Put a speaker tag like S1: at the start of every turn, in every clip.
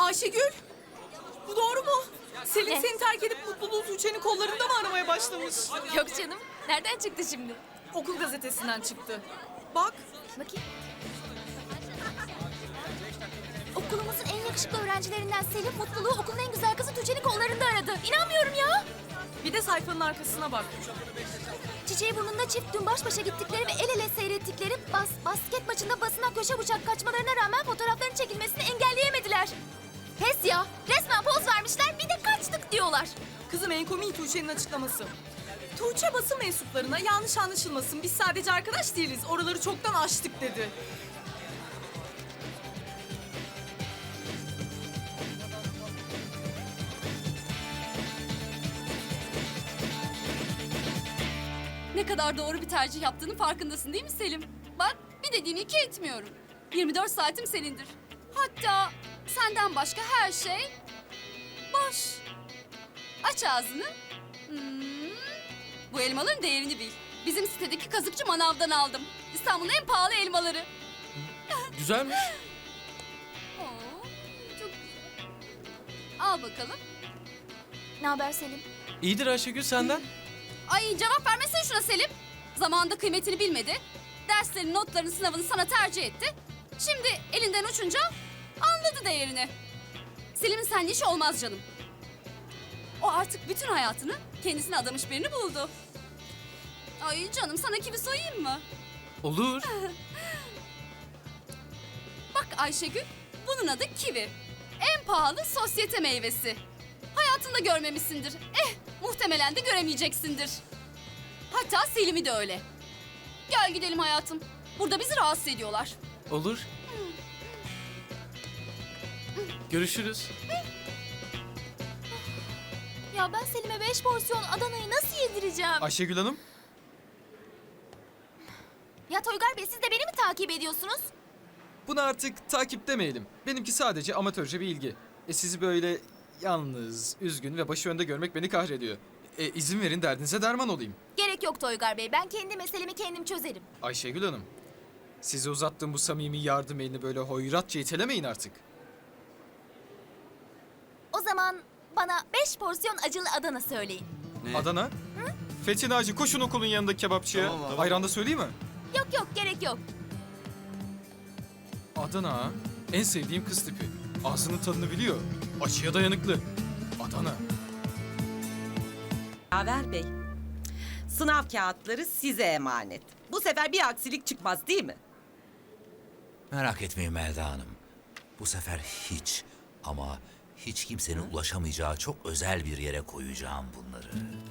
S1: Ayşegül, bu doğru mu? Selin
S2: Ne?
S1: seni terk edip mutluluğu Tuğçe'nin kollarında mı aramaya başlamış?
S2: Yok canım. Nereden çıktı şimdi?
S1: Okul gazetesinden çıktı. Bak,
S2: Bakayım. Okulumuzun en yakışıklı öğrencilerinden Selin mutluluğu okulun en güzel kızı Tuğçe'nin kollarında aradı. İnanmıyorum ya.
S1: bir de sayfanın arkasına bak.
S2: Çiçeği burnunda çift dün baş başa gittikleri ve el ele seyrettikleri basket maçında basına köşe bucak kaçmalarına rağmen fotoğrafların çekilmesini engelleyemediler. Pes ya. Resmen poz vermişler bir de kaçtık diyorlar.
S1: Kızım en komiği Tuğçe'nin açıklaması. Tuğçe basın mensuplarına yanlış anlaşılmasın, biz sadece arkadaş değiliz, oraları çoktan aştık dedi.
S3: Ne kadar doğru bir tercih yaptığının farkındasın değil mi Selim? Bak bir dediğini iki etmiyorum. 24 saatim senindir. Hatta senden başka her şey boş. Aç ağzını. Bu elmaların değerini bil. Bizim sitedeki kazıkçı manavdan aldım. İstanbul'un en pahalı elmaları.
S4: Güzelmiş.
S3: Oo, çok... Al bakalım.
S2: Ne haber Selim?
S4: İyidir Ayşegül senden.
S3: Ay cevap vermesene şuna Selim. Zamanında kıymetini bilmedi. Derslerin, notların, sınavını sana tercih etti. Şimdi elinden uçunca anladı değerini. Selim'in seninle işi olmaz canım. O artık bütün hayatını kendisine adamış birini buldu. Ay canım sana kivi soyayım mı?
S4: Olur.
S3: Bak Ayşegül, bunun adı kivi. En pahalı sosyete meyvesi. Hayatında görmemişsindir. Muhtemelen de göremeyeceksindir. Hatta Selim'i de öyle. Gel gidelim hayatım. Burada bizi rahatsız ediyorlar.
S4: Olur. Görüşürüz.
S2: Ya ben Selim'e 5 porsiyon Adana'yı nasıl yedireceğim?
S4: Ayşegül Hanım.
S2: Ya Toygar Bey siz de beni mi takip ediyorsunuz?
S5: Bunu artık takip demeyelim. Benimki sadece amatörce bir ilgi. Sizi böyle yalnız, üzgün ve başı önde görmek beni kahrediyor. İzin verin derdinize derman olayım.
S2: Gerek yok Toygar Bey. Ben kendi meselemi kendim çözerim.
S5: Ayşegül Hanım, size uzattığım bu samimi yardım elini böyle hoyratça itelemeyin artık.
S2: O zaman bana 5 porsiyon acılı Adana söyleyin.
S5: Adana? Fethi Naci koşun okulun yanındaki kebapçıya.
S4: Tamam.
S5: Ayran da söyleyeyim mi?
S2: Yok yok gerek yok.
S5: Adana ha? En sevdiğim kız tipi. Ağzının tadını biliyor. Acıya dayanıklı. Adana.
S6: Yaver Bey, sınav kağıtları size emanet. Bu sefer bir aksilik çıkmaz değil mi?
S7: Merak etmeyin Melda Hanım. Bu sefer hiç ama hiç kimsenin ulaşamayacağı çok özel bir yere koyacağım bunları.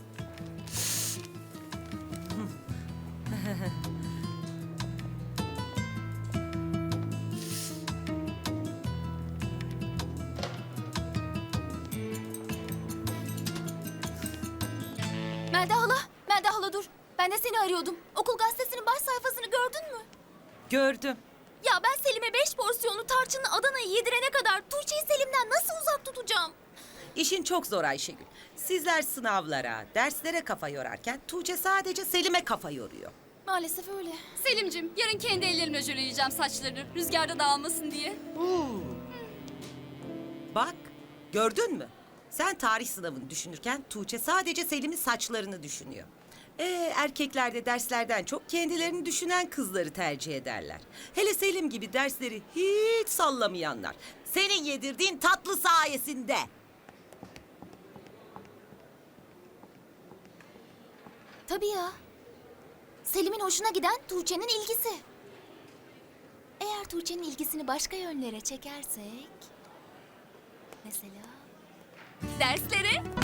S2: Melda hala dur. Ben de seni arıyordum. Okul gazetesinin baş sayfasını gördün mü?
S6: Gördüm.
S2: Ya ben Selim'e 5 porsiyonlu tarçınlı Adana'yı yedirene kadar Tuğçe'yi Selim'den nasıl uzak tutacağım?
S6: İşin çok zor Ayşegül. Sizler sınavlara, derslere kafa yorarken Tuğçe sadece Selim'e kafa yoruyor.
S2: Maalesef öyle.
S3: Selim'cim yarın kendi ellerimle jöleleyeceğim saçlarını. Rüzgarda dağılmasın diye.
S6: Bak, gördün mü? Sen tarih sınavını düşünürken Tuğçe sadece Selim'in saçlarını düşünüyor. Erkekler de derslerden çok kendilerini düşünen kızları tercih ederler. Hele Selim gibi dersleri hiç sallamayanlar. Senin yedirdiğin tatlı sayesinde.
S2: Tabii ya. Selim'in hoşuna giden Tuğçe'nin ilgisi. Eğer Tuğçe'nin ilgisini başka yönlere çekersek... Mesela... Derslere